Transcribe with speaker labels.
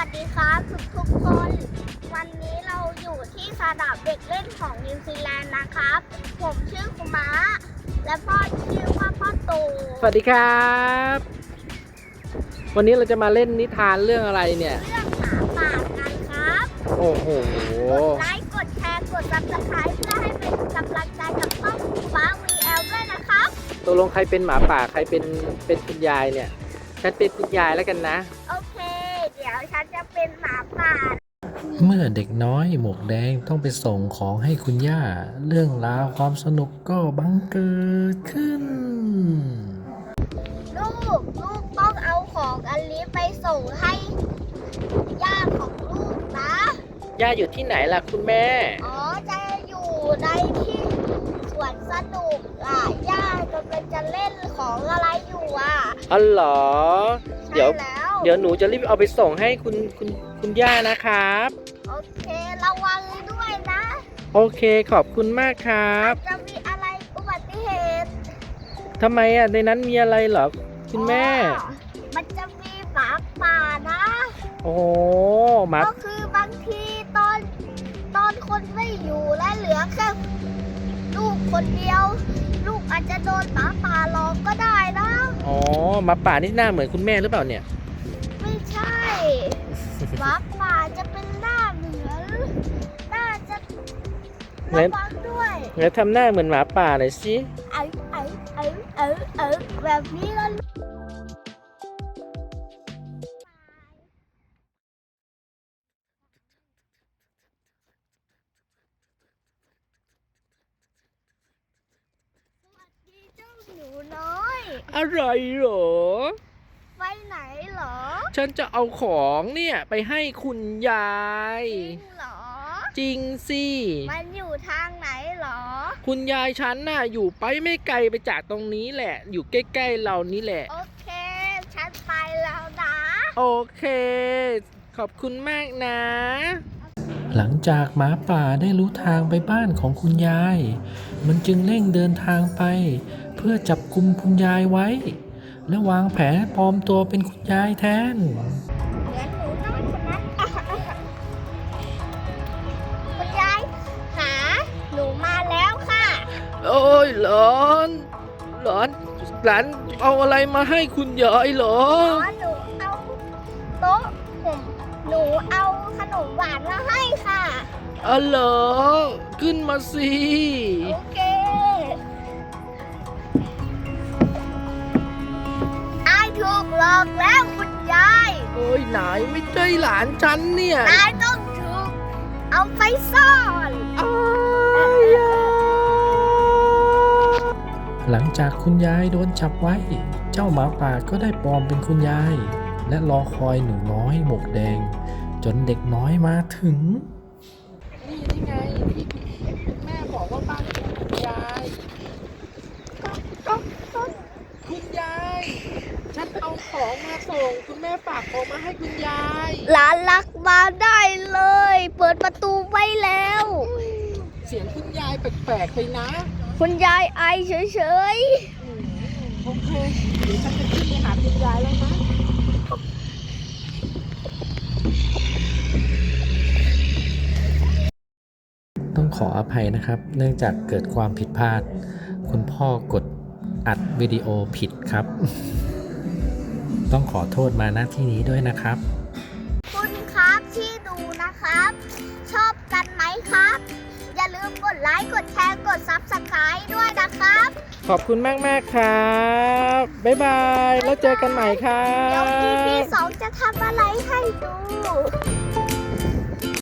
Speaker 1: ดีครับทุกคนวันนี้เราอยู่ที่สนามเด็กเล่นของนิวซีแลนด์นะครับผมชื่อคุมะและพ่อชื่อว่าพ่อตู
Speaker 2: สวัสดีครับวันนี้เราจะมาเล่นนิทานเรื่องอะไรเนี่ย
Speaker 1: เรื่องหมาป่ากันครับ
Speaker 2: โอ้โห
Speaker 1: กดไลค์กดแชร์กดซับสไครป์เพื่อให้เป็นกำลังใจกับช่องฟ้า VL ด้วยนะครับ
Speaker 2: ตกลงใครเป็นหมาป่าใครเป็นคุณยายเนี่ยฉันเป็นคุณยายแล้วกันนะ
Speaker 1: โอเคเดี๋ยวฉันจะเป็นหมาป่า
Speaker 3: เมื่อเด็กน้อยหมวกแดงต้องไปส่งของให้คุณย่าเรื่องราวความสนุกก็บังเกิดขึ้น
Speaker 1: ลูกต้องเอาของอันนี้ไปส่งให้ย่าของลูกนะ
Speaker 2: ย่าอยู่ที่ไหนล่ะคุณแม่
Speaker 1: อ๋อจะอยู่ในที่สวนสนุกย่ากำลังจะเล่นของอะไรอยู่
Speaker 2: อ๋อเหรอเดี๋ยวหนูจะรีบเอาไปส่งให้คุณย่านะครับ
Speaker 1: โอเคระวังด้วยนะ
Speaker 2: โอเคขอบคุณมากครับ
Speaker 1: จะมีอะไรอุบัติเหตุ
Speaker 2: ทำไมในนั้นมีอะไรเหรอคุณแม่
Speaker 1: มันจะมีหมาป่านะ
Speaker 2: โอ้หมา
Speaker 1: ก็คือบางทีตอนคนไม่อยู่และเหลือแค่ลูกคนเดียวลูกอาจจะโดนหมาป่าหลอกก็ได้นะ
Speaker 2: อ๋อหมาป่านี่หน้าเหมือนคุณแม่หรือเปล่าเนี่ย
Speaker 1: ไม่ใช่หมาป่าจะเป็นหน้าเหมือนน่าจะระวังด้วย
Speaker 2: แล้วทำหน้าเหมือนหมาป่าหน่อยสิ
Speaker 1: แบบนี้ก็หนูน้อย
Speaker 2: อะไรเหรอ
Speaker 1: ไปไหนเหรอ
Speaker 2: ฉันจะเอาของเนี่ยไปให้คุณยาย
Speaker 1: จริงเหรอ
Speaker 2: จริงสิ
Speaker 1: มันอยู่ทางไหนเหรอ
Speaker 2: คุณยายฉันน่ะอยู่ไปไม่ไกลไปจากตรงนี้แหละอยู่ใกล้ๆเรานี่แหละ
Speaker 1: โอเคฉันไปแล้วนะ
Speaker 2: โอเคขอบคุณมากนะ
Speaker 3: หลังจากหมาป่าได้รู้ทางไปบ้านของคุณยายมันจึงเร่งเดินทางไปเพื่อจับกุมคุณยายไว้และวางแผนปลอมตัวเป็นคุณยายแทน
Speaker 1: เหมือนหนูน้อยคนนั้นคุณยายหาหนูมาแล้วค่ะ
Speaker 2: โอ้ยหลานเอาอะไรมาให้คุณยายเหรอ
Speaker 1: หนูเอาโต๊ะหนูเอาขนมหวานมาให้ค่ะ
Speaker 2: อ๋อเหรอขึ้นมาสิ
Speaker 1: โอเคถูกหลอกแล้วคุณยาย
Speaker 2: โอ้ยนายไม่ใช่หลานฉันเนี่ย
Speaker 1: นายต้องถูกเอาไปซ่อน
Speaker 3: หลังจากคุณยายโดนจับไว้เจ้าหมาป่าก็ได้ปลอมเป็นคุณยายและรอคอยหนูน้อยหมวกแดงจนเด็กน้อยมาถึง
Speaker 2: นี่ไงที่คุณแม่บอกว่าบ้านของคุณยายคุณยายฉันเอาของมาส่งคุณแม่ฝากของมาให้คุณยาย
Speaker 1: หลานรักมาได้เลยเปิดประตูไว้แล้ว
Speaker 2: เสียงคุณยายแปลกๆไปนะ
Speaker 1: คุณยายไอเฉย
Speaker 2: โอเคเดี๋ยวฉันจะขึ้นไปหาคุณยายแล้วนะ
Speaker 3: ต้องขออภัยนะครับเนื่องจากเกิดความผิดพลาดคุณพ่อกดอัดวิดีโอผิดครับต้องขอโทษมาณที่นี้ด้วยนะครับ
Speaker 1: คุณครับที่ดูนะครับชอบกันไหมครับอย่าลืมกดไลค์กดแชร์กดซับสไครต์ด้วยนะครับ
Speaker 2: ขอบคุณมากครับบ๊ายบายแล้วเจอกันใหม่ครับ
Speaker 1: เดี๋ยว EP 2จะทำอะไรให้ดู